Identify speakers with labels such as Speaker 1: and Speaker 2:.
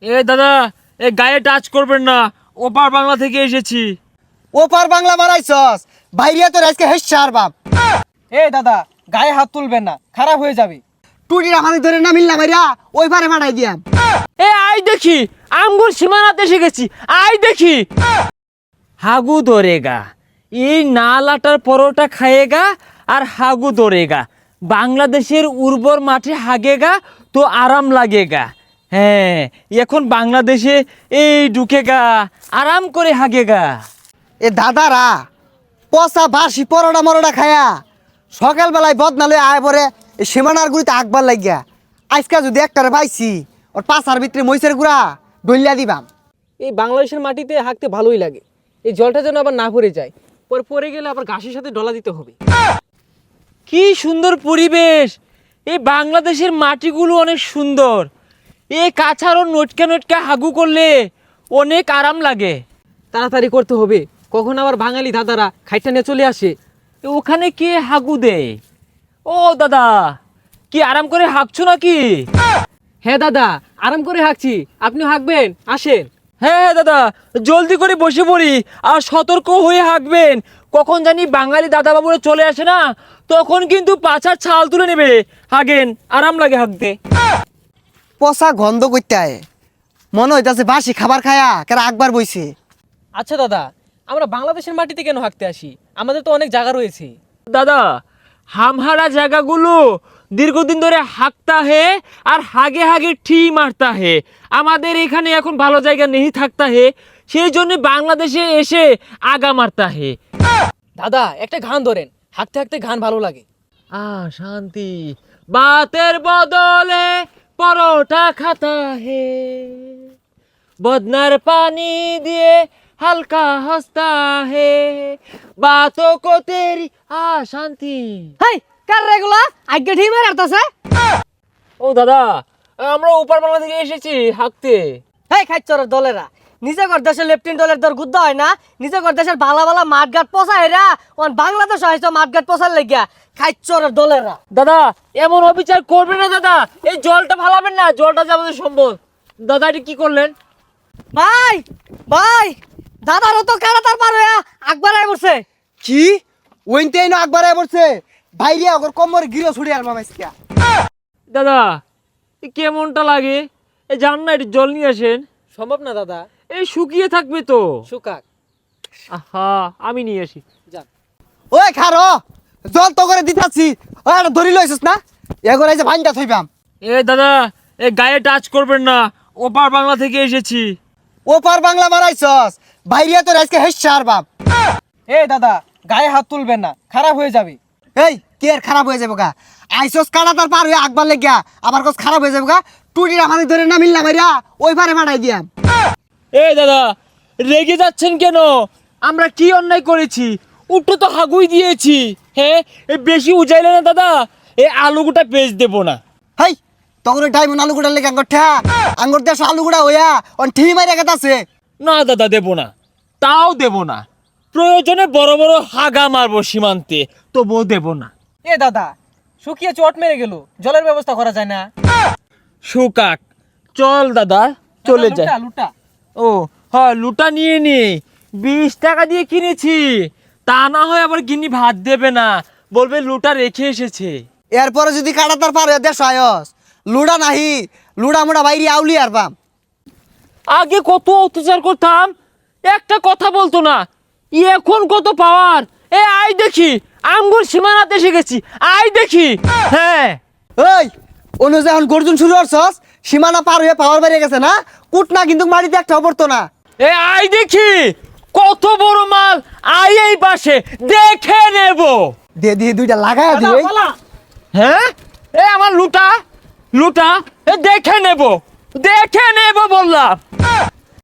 Speaker 1: এ দাদা, এ গায়ে টাচ করবেন না, ওপার বাংলা থেকে এসেছি।
Speaker 2: ওপার বাংলা মারাইছস, বাইরিয়া তোর আজকে হেসার বাপ।
Speaker 3: এ দাদা, গায়ে হাত তুলবেন না, খারাপ হয়ে যাবে।
Speaker 2: টুটির আমাদের ধরে না মিললা মাইরা ওই পারে মারাই দিয়াম।
Speaker 1: এ আই দেখি, আমগুর সীমানাতে এসে গেছি, আই দেখি। হাগু ধরেগা, এই নালাটার পরোটা খায়েগা আর হাগু ধরেগা। বাংলাদেশের উর্বর মাঠে হাগেগা তো আরাম লাগেগা। হ্যাঁ, এখন বাংলাদেশে এই ঢুকেগা, আরাম করে হাগেগা।
Speaker 2: এ দাদারা পচা বাসি পরোটা মরোটা খায়া সকালবেলায় বদনালে আয় পরে এই সীমানার গুড়িতে আকবার লাগিয়া আজকা যদি একটারে পাইছি ওর পাশার ভিতরে মহিষের গুড়া ডলিয়া দিবাম।
Speaker 3: এই বাংলাদেশের মাটিতে হাঁকতে ভালোই লাগে। এই জলটা যেন আবার না পড়ে যায়, পরে পড়ে গেলে আবার ঘাসের সাথে ডলা দিতে হবে।
Speaker 1: কি সুন্দর পরিবেশ! এই বাংলাদেশের মাটিগুলো অনেক সুন্দর। এই কাছাড়ও নটকা নটকা হাগু করলে অনেক আরাম লাগে।
Speaker 3: তাড়াতাড়ি করতে হবে, কখন আবার বাঙালি দাদারা খাইটা নিয়ে চলে আসে।
Speaker 1: ওখানে কে হাগু দেয়? ও দাদা, কি আরাম করে হাঁকছো নাকি?
Speaker 3: হ্যাঁ দাদা, আরাম করে হাঁকছি, আপনি হাঁকবেন, আসেন।
Speaker 1: হ্যাঁ দাদা, জলদি করে বসে পড়ি আর সতর্ক হয়ে হাঁকবেন। কখন জানি বাঙালি দাদা বাবুরা চলে আসে না, তখন কিন্তু পাছার ছাল তুলে নেবে। হাগেন, আরাম লাগে হাঁকতে।
Speaker 2: পচা গন্ধ করতে আয়, মনে হইতাছে বাসি খাবার খায়া কেরা আকবার বইছে।
Speaker 3: আচ্ছা দাদা, আমরা বাংলাদেশের মাটিতে কেন হাঁকতে আসি? আমাদের তো অনেক জায়গা রয়েছে।
Speaker 1: দাদা, হামহারা জায়গাগুলো দীর্ঘদিন ধরে হাঁকতা হে আর হাগে হাগে ঠি মারতা হে। আমাদের এখানে এখন ভালো জায়গা নেই থাকতা হে, সেই জন্য বাংলাদেশে এসে আগা মারতা হে।
Speaker 3: দাদা, একটা গান ধরেন, হাঁকতে হাঁকতে গান ভালো লাগে।
Speaker 1: শান্তি বাতের বদলে পরোটা খাতা হে, বদনার পানি দিয়ে হালকা হস্তা হে, বাতো কো তেরি শান্তি।
Speaker 3: হাই, কার রেগুলা আজ্ঞা ঠিক মেরে আরতাছে।
Speaker 1: ও দাদা, আমরা উপর বাংলা থেকে এসেছি হাঁকতে।
Speaker 3: হেই খাইচরের দলেরা, নিজে কর দেশের লেফটেন্ট দলের দর গুদ্ধ হয় না, নিজে কর দেশের ভালা ভালা মাঠঘাট পচা হেরা ওন বাংলাদেশ হয়েছে মাঠঘাট পচার লেগিয়া। খাইচরের দলেরা
Speaker 1: দাদা, এমন অবিচার করবেন না দাদা, এই জলটা ফালাবেন না, জলটা যে আমাদের সম্পদ। দাদা, এটা কি করলেন?
Speaker 3: ভাই ভাই, দাদারও তো কারাতার পার হইয়া আকবার আই বসে।
Speaker 2: কি ওইতে আইনো আকবার আয় পড়ছে, বাইরিয়া ওর কোমর গিরো ছুড়ে আর মামাইছিয়া।
Speaker 1: দাদা, এ কেমনটা লাগে? এই যান না, একটু জল নিয়ে আসেন।
Speaker 3: সম্ভব না দাদা,
Speaker 1: এই শুকিয়ে থাকবে তো।
Speaker 3: সুকাক।
Speaker 1: আহা, আমি নিয়ে আসি।
Speaker 3: যান।
Speaker 2: ওই খারো, জল তো করে দিতাছি, ওই আর ধরি লইছিস না, এগোর এই যে ভাইনটা থইবাম।
Speaker 1: এ দাদা, এ গায়ে টাচ করবেন না, ওপার বাংলা থেকে এসেছি।
Speaker 2: ওপার বাংলা মারাইছস, বাইরিয়া তোর আজকে হেসার বাপ।
Speaker 3: এ দাদা, গায়ে হাত তুলবেন না, খারাপ হয়ে যাবে।
Speaker 2: এই কে আর খারাপ হয়ে যাবো গা, আইসস কাটাতার পার হয়ে আকবার লেগিয়া আবার কস খারাপ হয়ে যাবো গা। টুটির আমাদের ধরে না মিললা মাইরা ওই পারে মারাই দিয়াম।
Speaker 1: এই দাদা, রেগে যাচ্ছেন কেন? আমরা কি অন্যায় করেছি? উঠো তো হাগুই দিয়েছি। হ্যাঁ, এ বেশি উজাইলে না দাদা, এই আলুগুটা পেজ দেবো না।
Speaker 2: হেই তখন ডাইমন আলু গুড়ার লেগে আঙ্গর ঠা আঙ্গর দেশ আলু গুড়া হইয়া অন ঠি মাইরা গেতাছে।
Speaker 1: না দাদা, দেবো না, তাও দেবো না। প্রয়োজনে বড় বড় হাগা মারবো সীমান্তে, তবুও দেবো না।
Speaker 3: এ দাদা, শুকিয়ে চট মেরে গেল, জলের ব্যবস্থা করা যায় না?
Speaker 1: সুকাক, চল দাদা, চলে
Speaker 3: দাদা,
Speaker 1: যায়।
Speaker 3: লুটা লুটা।
Speaker 1: ও হ্যাঁ, লুটা নিয়ে নি, 20 টাকা দিয়ে কিনেছি। তা না হয় আবার গিন্নি ভাত দেবে না, বলবে লুটা রেখে এসেছে।
Speaker 2: এরপরে যদি কাটাতার পার হয়ে দেশ আয়স লুড়া নাহি, লুড়া মুড়া বাইরে আউলি আর বাম।
Speaker 1: আগে কত অত্যাচার করতাম, একটা কথা বলতো না, এখন কত পাওয়ার। এ আই দেখি, আমগুর সীমানাতে এসে গেছি, আই দেখি। হ্যাঁ,
Speaker 2: ওই অনুযায়ী এখন গর্জন শুরু করছস, সীমানা পার হয়ে পাওয়ার বাইরে গেছে না, কুট না কিন্তু মাটিতে একটা পড়তো না।
Speaker 1: এ আই দেখি, কত বড় মাল, আই এই পাশে দেখে নেব।
Speaker 2: দে দিয়ে দুইটা লাগায়
Speaker 3: দাদা,
Speaker 2: দিই।
Speaker 3: পালা।
Speaker 1: হ্যাঁ, এ আমার লুটা, লুটা, এ দেখে নেব, দেখে নেব বললাম।